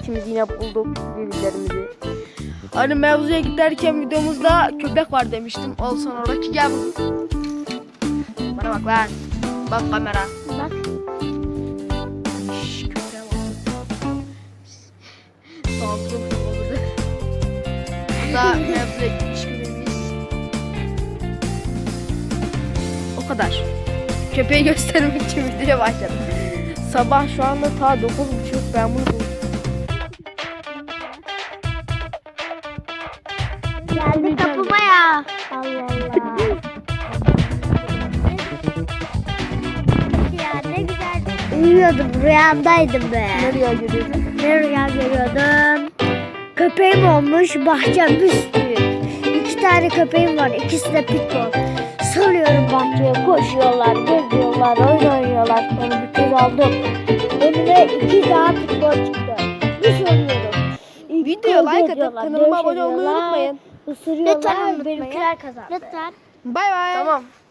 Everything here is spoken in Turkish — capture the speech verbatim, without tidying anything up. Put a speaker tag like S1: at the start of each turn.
S1: ikimiz yine bulduk birbirlerimizi. Hani mevzuya giderken videomuzda köpek var demiştim. Al sana Rocky, gel buraya. Bana bak lan. Bak kamera.
S2: Bak.
S1: Şşş, köpeğe bak. Saldırım oldu. Bu da mevzuya gitmiş birimiz. O kadar. Köpeği göstermek için videoya başladım. Sabah şu anda ta dokuz buçuk, ben bunu buldum.
S2: Geldi kapıma ya. Allah Allah. Ya ne güzel. Uyuyordum, rüyamdaydım be.
S1: Ne rüya görüyordun?
S2: Ne rüya görüyordum? Köpeğim olmuş, bahçem büyük. İki tane köpeğim var, ikisi de pitbull. Salıyorum bahçeye, koşuyorlar, geziyorlar, oyun oynuyorlar. Sonra bir kez aldım. Önüme iki daha pitbull çıktı. Bir soruyorum.
S1: Videoya like atıp kanalıma abone olmayı unutmayın.
S2: Isırıyorlar, benimkiler kazandı. Lütfen.
S1: Bay bay. Tamam.